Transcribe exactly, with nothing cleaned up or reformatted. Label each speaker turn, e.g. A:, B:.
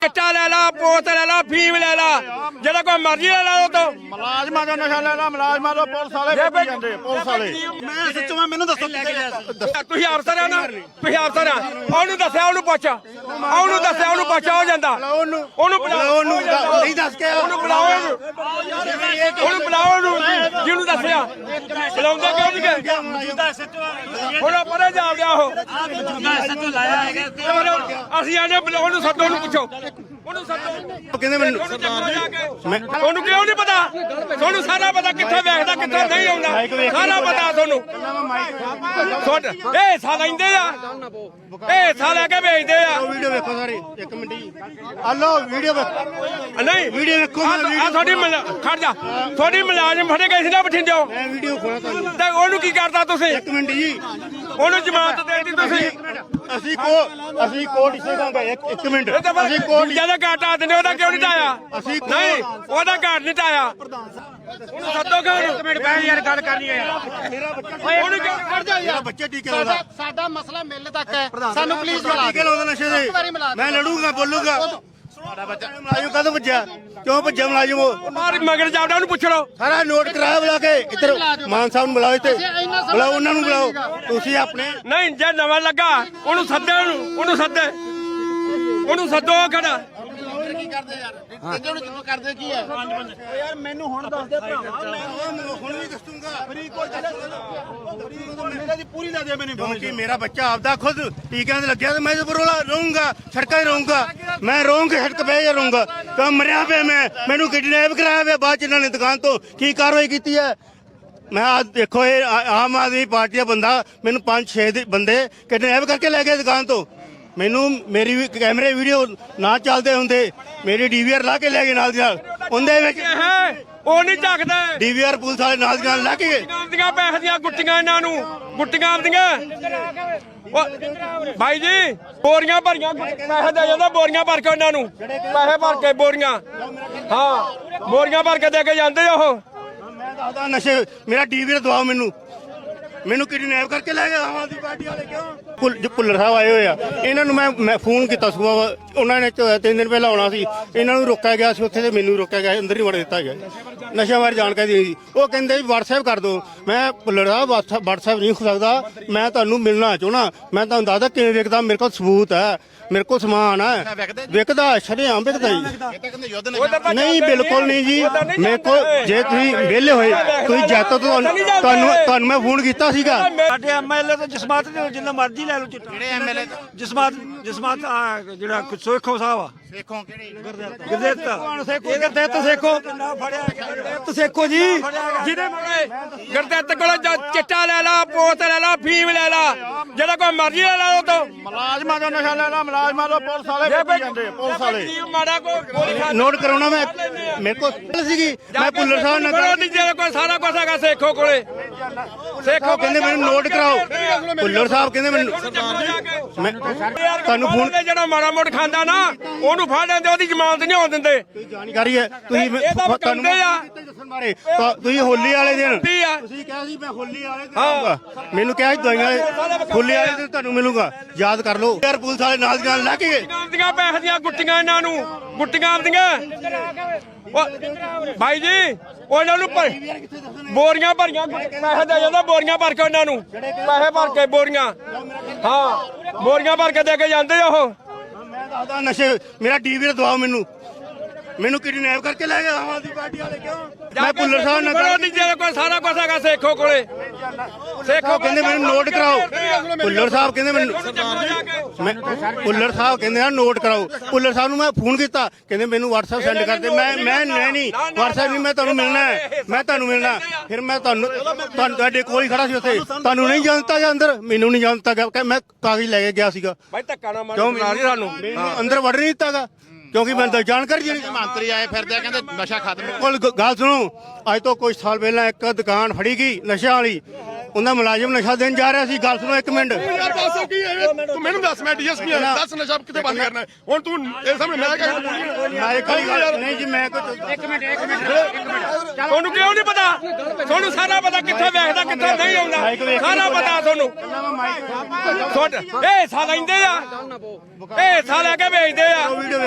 A: चिट्टा ले ला, पोत ले ला, फीम ले ला, जेड़ा कोई मर्जी ले ला तो
B: मुलाजमा जो नशा ले ला मुलाजमा जो पुलिस वाले बेची जांदे पुलिस वाले मैं सच्चो मैं मेनू दसो
A: ਤੁਸੀਂ ਅਫਸਰ ਆ ਨਾ ਤੁਸੀਂ ਅਫਸਰ ਆ ਉਹਨੂੰ ਦੱਸਿਆ ਉਹਨੂੰ ਪੁੱਛ ਉਹਨੂੰ ਦੱਸਿਆ ਉਹਨੂੰ ਪੁੱਛ ਹੋ ਜਾਂਦਾ ਉਹਨੂੰ ਬੁਲਾਓ ਉਹਨੂੰ
B: ਨਹੀਂ ਦੱਸ ਕੇ
A: ਉਹਨੂੰ ਬੁਲਾਓ ਉਹਨੂੰ ਉਹਨੂੰ ਬੁਲਾਓ ਉਹਨੂੰ ਜਿਹਨੂੰ ਦੱਸਿਆ ਬੁਲਾਉਂਦੇ ਕਿਉਂ ਨਹੀਂ ਗਏ ਹੁਣ ਪਰੇ ਜਾ ਗਿਆ ਉਹ ਅਸੀਂ ਆਨੇ ਬੁਲਾਓ ਉਹਨੂੰ ਸੱਦੋ ਉਹਨੂੰ ਪੁੱਛੋ ਉਹਨੂੰ ਸੱਦੋ
B: ਕਹਿੰਦੇ ਮੈਨੂੰ
A: ਤੁਹਾਨੂੰ ਕਿਉਂ ਨਹੀਂ ਪਤਾ ਤੁਹਾਨੂੰ ਸਾਰਾ ਪਤਾ ਕਿੱਥੇ ਵੇਖਦਾ ਕਿੱਥੇ ਨਹੀਂ ਆਉਂਦਾ ਸਾਰਾ ਪਤਾ ਤੁਹਾਨੂੰ ਇਹ ਸਾ ਲੈਂਦੇ ਆ ਇਹ ਸਾ ਲੈ ਕੇ ਵੇਚਦੇ ਆ
B: ਵੀਡੀਓ ਵੇਖੋ ਸਾਰੇ ਇੱਕ ਮਿੰਟ ਜੀ ਹਲੋ ਵੀਡੀਓ
A: ਨਹੀਂ
B: ਵੀਡੀਓ ਵੇਖੋ
A: ਆ ਤੁਹਾਡੀ ਖੜ ਜਾ ਤੁਹਾਡੀ ਮੁਲਾਜ਼ਮ ਫੜੇ ਗਏ ਸੀ ਨਾ ਬਠਿੰਡਿਓ
B: ਮੈਂ ਵੀਡੀਓ ਖੋਲਾ ਤੁਹਾਨੂੰ
A: ਤੇ ਉਹਨੂੰ ਕੀ ਕਰਦਾ ਤੁਸੀਂ
B: ਇੱਕ ਮਿੰਟ ਜੀ
A: ਉਹਨੂੰ ਜ਼ਮਾਨਤ ਦੇ ਦਿੱਤੀ ਤੁਸੀਂ
B: ਅਸੀਂ ਕੋ ਅਸੀਂ ਕੋਰਟ ਇਸੇ ਦਾਂਗੇ ਇੱਕ ਇੱਕ ਮਿੰਟ ਅਸੀਂ ਕੋਰਟ
A: ਜਿਆਦਾ ਘਾਟਾ ਦਿੰਦੇ ਉਹਦਾ ਕਿਉਂ ਨਹੀਂ ਟਾਇਆ
B: ਅਸੀਂ
A: ਨਹੀਂ ਉਹਦਾ ਘਾਟ ਨਹੀਂ ਟਾਇਆ ਉਹਨੂੰ ਸੱਦੋ ਕਿਉਂ ਇੱਕ ਮਿੰਟ ਬੈਠ ਯਾਰ ਗੱਲ ਕਰਨੀ ਹੈ ਯਾਰ ਉਹਨੂੰ ਕਿਉਂ ਖੜ ਜਾ ਯਾਰ
B: ਬੱਚੇ ਟੀਕੇ ਲਾਉਂਦਾ
C: ਸਾਡਾ ਮਸਲਾ ਮਿਲ ਤੱਕ ਹੈ ਸਾਨੂੰ ਪਲੀਜ਼ ਮਿਲਾ
B: ਟੀਕੇ ਲਾਉਂਦਾ ਨਸ਼ੇ ਦੇ ਮੈਂ ਲੜੂਗਾ ਬੋਲੂਗਾ ਸਾਡਾ ਬੱਚਾ ਮੁਲਾਜ਼ਮ ਕਦੋਂ ਭੱਜਿਆ ਕਿਉਂ ਭੱਜਿਆ ਮੁਲਾਜ਼ਮ ਉਹ
A: ਮਾਰ ਮਗਰ ਜਾਵੜਾ ਉਹਨੂੰ ਪੁੱਛ ਲਓ
B: ਸਾਰਾ ਨੋਟ ਕਰਾਇਆ ਬੁਲਾ ਕੇ ਇੱਧਰ ਮਾਨ ਸਾਹਿਬ ਨੂੰ ਬੁਲਾਓ ਇੱਥੇ ਬੁਲਾਓ ਉਹਨਾਂ ਨੂੰ ਬੁਲਾਓ ਤੁਸੀਂ ਆਪਣੇ
A: ਨਹੀਂ ਜੇ ਨਵਾਂ ਲੱਗਾ ਉਹਨੂੰ ਸੱਦੇ ਉਹਨੂੰ ਉਹਨੂੰ ਸੱਦੇ ਉਹਨੂੰ ਸੱਦੋ ਖੜਾ
C: ਕੀ ਕਰਦੇ ਯਾਰ ਕਿਹਨੂੰ ਕਿਉਂ ਕਰਦੇ ਕੀ ਹੈ
B: ਯਾਰ ਮੈਨੂੰ ਹੁਣ ਦੱਸ ਦੇ ਭਰਾਵਾ ਮੈਂ ਹੁਣ ਵੀ ਦੱਸੂਗਾ ਫਰੀ ਕੋਈ ਮੇਰਾ ਦੀ ਪੂਰੀ ਲਾ ਦੇ ਮੈਨੂੰ ਕਿਉਂਕਿ ਮੇਰਾ ਬੱਚਾ ਆਪਦਾ ਖੁਦ ਟੀਕਿਆਂ ਤੇ ਲੱਗਿਆ ਤੇ ਮੈਂ ਤੇ ਬਰੋਲਾ ਰਹੂੰਗਾ ਸੜਕਾਂ 'ਤੇ ਰਹੂੰਗਾ ਮੈਂ ਰਹੂੰਗਾ ਸੜਕ ਪੈ ਜਾ ਰਹੂੰਗਾ ਤਾਂ ਮਰਿਆ ਪਿਆ ਮੈਂ ਮੈਨੂੰ ਕਿਡਨੈਪ ਕਰਾਇਆ ਪਿਆ ਬਾਅਦ ਚ ਇਹਨਾਂ ਨੇ ਦੁਕਾਨ ਤੋਂ ਕੀ ਕਾਰਵਾਈ ਕੀਤੀ ਹੈ ਮੈਂ ਆ ਦੇਖੋ ਇਹ ਆਮ ਆਦਮੀ ਪਾਰਟੀ ਦਾ ਬੰਦਾ ਮੈਨੂੰ ਪੰਜ ਛੇ ਦੇ ਬੰਦੇ ਕਿਡਨੈਪ ਕਰਕੇ ਲੈ ਗਏ ਦੁਕਾਨ ਤੋਂ ਮੈਨੂੰ ਮੇਰੀ ਵੀ ਕੈਮਰੇ ਵੀਡੀਓ ਨਾ ਚੱਲਦੇ ਹੁੰਦੇ ਮੇਰੀ ਡੀਵੀਆਰ ਲਾ ਕੇ ਲੈ ਗਏ ਨਾਲ ਦੀ ਨਾਲ ਉਹਦੇ ਵਿੱਚ
A: ਉਹ ਨਹੀਂ ਝੱਕਦਾ
B: ਡੀਵੀਆਰ ਪੁਲਿਸ ਵਾਲੇ ਨਾਲ ਦੀ ਨਾਲ ਲੈ ਕੇ ਗਏ
A: ਆਪਦੀਆਂ ਪੈਸੇ ਦੀਆਂ ਗੁੱਟੀਆਂ ਇਹਨਾਂ ਨੂੰ ਗੁੱਟੀਆਂ ਆਪਦੀਆਂ ਭਾਈ ਜੀ ਬੋਰੀਆਂ ਭਰੀਆਂ ਪੈਸੇ ਦੇ ਜਾਂਦਾ ਬੋਰੀਆਂ ਭਰ ਕੇ ਉਹਨਾਂ ਨੂੰ ਪੈਸੇ ਭਰ ਕੇ ਬੋਰੀਆਂ ਹਾਂ ਬੋਰੀਆਂ ਭਰ ਕੇ ਦੇ ਕੇ ਜਾਂਦੇ ਉਹ
B: ਮੈਂ ਦੱਸਦਾ ਨਸ਼ੇ ਮੇਰਾ ਡੀਵੀਆਰ ਦਵਾਓ ਮੈਨੂੰ ਮੈਨੂੰ ਕਿਡਨੈਪ ਕਰਕੇ ਲੈ ਗਏ ਆਮ ਆਦਮੀ ਪਾਰਟੀ ਵਾਲੇ ਕਿਉਂ ਭੁੱਲਰ ਸਾਹਿਬ ਆਏ ਹੋਏ ਆ ਇਹਨਾਂ ਨੂੰ ਮੈਂ ਮੈਂ ਫੋਨ ਕੀਤਾ ਸੁਬਾਹ ਉਹਨਾਂ ਨੇ ਤਿੰਨ ਦਿਨ ਪਹਿਲਾਂ ਆਉਣਾ ਸੀ ਇਹਨਾਂ ਨੂੰ ਰੋਕਿਆ ਗਿਆ ਸੀ ਉੱਥੇ ਤੇ ਮੈਨੂੰ ਰੋਕਿਆ ਗਿਆ ਅੰਦਰ ਹੀ ਵੜ ਦਿੱਤਾ ਗਿਆ ਨਸ਼ਾ ਬਾਰੇ ਜਾਣਕਾਰੀ ਦੇਣੀ ਸੀ ਉਹ ਕਹਿੰਦੇ ਵੀ WhatsApp ਕਰ ਦਿਓ ਮੈਂ ਭੁੱਲਰ ਸਾਹਿਬ WhatsApp ਨਹੀਂ ਹੋ ਸਕਦਾ ਮੈਂ ਤੁਹਾਨੂੰ ਮਿਲਣਾ ਚਾਹਣਾ ਮੈਂ ਤੁਹਾਨੂੰ ਦੱਸਦਾ ਕਿਵੇਂ ਵਿਕਦਾ ਮੇਰੇ ਕੋਲ ਸਬੂਤ ਹੈ ਮੇਰੇ ਕੋਲ ਸਮਾਨ ਹੈ ਵਿਕਦਾ ਸ਼ਰੇਆਮ ਵਿਕਦਾ ਜੀ ਨਹੀਂ ਬਿਲਕੁਲ ਨਹੀਂ ਜੀ ਮੇਰੇ ਕੋਲ ਜੇ ਤੁਸੀਂ ਵਿਹਲੇ ਹੋਏ ਤੁਸੀਂ ਜੈਤੋ ਤੁਹਾਨੂੰ ਤੁਹਾਨੂੰ ਮੈਂ ਫੋਨ ਕੀਤਾ ਸੀਗਾ
D: ਸਾਡੇ ਐਮਐਲਏ ਤੋਂ ਜਸਮਾਤ ਜਿੰਨਾ ਮਰਜ਼ੀ ਲੈ ਲਓ ਚਿੱਟਾ
B: ਕਿਹੜੇ ਐਮਐਲਏ
D: ਜਸਮਾਤ ਜਸਮਾਤ ਜਿਹੜਾ ਸੋਖੋ ਸਾਹਿਬ ਆ
B: ਸੇਖੋਂ ਕਿਹੜੀ
D: ਗੁਰਦੇਵ ਸੇਖੋ ਗੁਰਦੇਵ ਸੇਖੋ ਫੜਿਆ ਗੁਰਦੇਵ ਸੇਖੋ ਜੀ
A: ਜਿਹਦੇ ਮੋੜੇ ਗੁਰਦੇਵ ਕੋਲ ਚਿੱਟਾ ਲੈ ਲਾ ਪੋਤ ਲੈ ਲਾ ਫੀਮ ਲੈ ਲਾ ਜਿਹੜਾ ਕੋਈ ਮਰਜ਼ੀ ਲੈ ਲਾ ਉਹ ਤੋਂ
B: ਮੁਲਾਜ਼ਮਾਂ ਜੋ ਨਸ਼ਾ ਲੈ ਲਾ ਮੁਲਾਜ਼ਮਾਂ ਜੋ ਪੁਲਿਸ ਵਾਲੇ ਵੇਚੀ ਜਾਂਦੇ ਪੁਲਿਸ ਵਾਲੇ
A: ਮਾੜਾ ਕੋਈ
B: ਨੋਟ ਕਰਾਉਣਾ ਮੈਂ ਮੇਰੇ ਕੋਲ ਸੀਗੀ ਮੈਂ ਭੁੱਲਰ ਸਾਹਿਬ ਨਾਲ
A: ਜਿਹੜਾ ਕੋਈ ਸਾਰਾ ਕੁਝ ਹੈਗਾ ਸੇਖੋ ਕੋਲੇ
B: ਸੇਖੋ ਕਹਿੰਦੇ ਮੈਨੂੰ ਨੋਟ ਕਰਾਓ ਭੁੱਲਰ ਸਾਹਿਬ ਕਹਿੰਦੇ ਮੈਨੂੰ ਮੈਂ ਤੁਹਾਨੂੰ ਫੋਨ
A: ਜਿਹੜਾ ਮਾੜਾ ਮੋੜ ਖਾਂਦਾ ਨਾ ਉਹਨੂੰ ਫੜ ਲੈਂਦੇ ਉਹਦੀ ਜ਼ਮਾਨਤ ਨਹੀਂ ਹੋਣ ਦਿੰਦੇ
B: ਜਾਣਕਾਰੀ ਹੈ ਤੁਸੀਂ ਤੁਹਾਨੂੰ ਦੱਸਣ ਬਾਰੇ ਤੁਸੀਂ ਹੋਲੀ ਵਾਲੇ ਦਿਨ ਤੁਸੀਂ ਕਿਹਾ ਸੀ ਮੈਂ ਹੋਲੀ ਵਾਲੇ ਦਿਨ ਆਊਂਗਾ ਮੈਨੂੰ ਕਿਹਾ ਸੀ ਦਵਾਈਆਂ ਵਾਲੇ ਹੋਲੀ ਵਾਲੇ ਦਿਨ ਤੁਹਾਨੂੰ ਮਿਲੂਗਾ ਯਾਦ ਕਰ ਲਓ ਯਾਰ ਪੁਲਿਸ ਵਾਲੇ ਨਾਲ ਦੀ ਨਾਲ ਲੈ ਕੇ ਗਏ
A: ਆਪਦੀਆਂ ਪੈਸੇ ਦੀਆਂ ਗੁੱਟੀਆਂ ਇਹਨਾਂ ਨੂੰ ਗੁੱਟੀਆਂ ਆਪਦੀਆਂ ਭਾਈ ਜੀ ਉਹਨਾਂ ਨੂੰ ਬੋਰੀਆਂ ਭਰੀਆਂ ਪੈਸੇ ਦੇ ਜਾਂਦਾ ਬੋਰੀਆਂ ਭਰ ਕੇ ਉਹਨਾਂ ਨੂੰ ਪੈਸੇ ਭਰ ਕੇ ਬੋਰੀਆਂ ਹਾਂ ਬੋਰੀਆਂ ਭਰ ਕੇ ਦੇ ਕੇ ਜਾਂਦੇ ਉਹ
B: ਮੈਂ ਦੱਸਦਾ ਨਸ਼ੇ ਮੇਰਾ ਡੀਵੀਆਰ ਦਵਾਓ ਮੈਨੂੰ ਮੈਨੂੰ ਕਿਡਨੈਪ ਕਰਕੇ ਲੈ ਗਏ ਆਮ ਆਦਮੀ ਪਾਰਟੀ ਵਾਲੇ ਕਿਉਂ ਮੈਂ ਭੁੱਲਰ ਸਾਹਿਬ ਨਾਲ
A: ਜਿਹੜਾ ਕੋਈ ਸਾਰਾ ਕੁਝ ਹੈਗਾ ਸੇਖੋ ਕੋਲੇ
B: ਸੇਖੋ ਕਹਿੰਦੇ ਮੈਨੂੰ ਨੋਟ ਕਰਾਓ ਭੁੱਲਰ ਸਾਹਿਬ ਕਹਿੰਦੇ ਮੈਨੂੰ ਮੈਂ ਭੁੱਲਰ ਸਾਹਿਬ ਕਹਿੰਦੇ ਆ ਨੋਟ ਕਰਾਓ ਭੁੱਲਰ ਸਾਹਿਬ ਨੂੰ ਮੈਂ ਫੋਨ ਕੀਤਾ ਕਹਿੰਦੇ ਮੈਨੂੰ WhatsApp ਸੈਂਡ ਕਰ ਦੇ ਮੈਂ ਮੈਂ ਨਹੀਂ WhatsApp ਨਹੀਂ ਮੈਂ ਤੁਹਾਨੂੰ ਮਿਲਣਾ ਹੈ ਮੈਂ ਤੁਹਾਨੂੰ ਮਿਲਣਾ ਫਿਰ ਮੈਂ ਤੁਹਾਨੂੰ ਤੁਹਾਨੂੰ ਤੁਹਾਡੇ ਕੋਲ ਹੀ ਖੜਾ ਸੀ ਉੱਥੇ ਤੁਹਾਨੂੰ ਨਹੀਂ ਜਾਣਤਾ ਜਾਂ ਅੰਦਰ ਮੈਨੂੰ ਨਹੀਂ ਜਾਣਤਾ ਗਿਆ ਮੈਂ ਕਾਗਜ਼ ਲੈ ਕੇ ਗਿਆ ਸੀਗਾ
A: ਭਾਈ ਧੱਕਾ ਨਾ ਮਾਰ
B: ਕਿਉਂ ਸਾਨੂੰ ਅੰਦਰ ਵੜ ਨਹੀਂ ਦਿੱਤਾਗਾ ਕਿਉਂਕਿ ਮੈਂ ਤਾਂ ਜਾਣਕਾਰੀ ਜਿਹੜੀ
C: ਮੰਤਰੀ ਆਏ ਫਿਰਦੇ ਕਹਿੰਦੇ ਨਸ਼ਾ ਖਤਮ
B: ਕੋਲ ਗੱਲ ਸੁਣੋ ਅੱਜ ਤੋਂ ਕੁਝ ਸਾਲ ਪਹਿਲਾਂ ਇੱਕ ਦੁਕਾਨ ਫੜੀ ਗਈ ਨਸ਼ਿਆਂ ਵਾਲੀ ਉਹਨਾਂ ਮੁਲਾਜ਼ਮ ਨਸ਼ਾ ਦੇਣ ਜਾ ਰਿਹਾ ਸੀ ਗੱਲ ਸੁਣੋ ਇੱਕ ਮਿੰਟ
E: ਯਾਰ ਦੱਸ ਕੀ ਹੈ ਤੂੰ ਮੈਨੂੰ ਦੱਸ ਮੈਂ ਡੀਐਸਪੀ ਆ ਦੱਸ ਨਸ਼ਾ ਕਿੱਥੇ ਬੰਦ ਕਰਨਾ ਹੁਣ ਤੂੰ ਇਹ ਸਾਹਮਣੇ ਮੈਂ ਕਹਿੰਦਾ
B: ਮੈਂ ਇੱਕ ਗੱਲ ਨਹੀਂ ਜੀ ਮੈਂ ਕੁਝ
C: ਇੱਕ ਮਿੰਟ ਇੱਕ ਮਿੰਟ
A: ਤੁਹਾਨੂੰ ਕਿਉਂ ਨਹੀਂ ਪਤਾ ਤੁਹਾਨੂੰ ਸਾਰਾ ਪਤਾ ਕਿੱਥੇ ਵੇਖਦਾ ਕਿੱਥੇ ਨਹੀਂ ਆਉਂਦਾ ਸਾਰਾ ਪਤਾ ਤੁਹਾਨੂੰ ਇਹ ਸਾ ਲੈਂਦੇ ਆ ਇਹ ਸਾ ਲੈ ਕੇ ਵੇਚਦੇ ਆ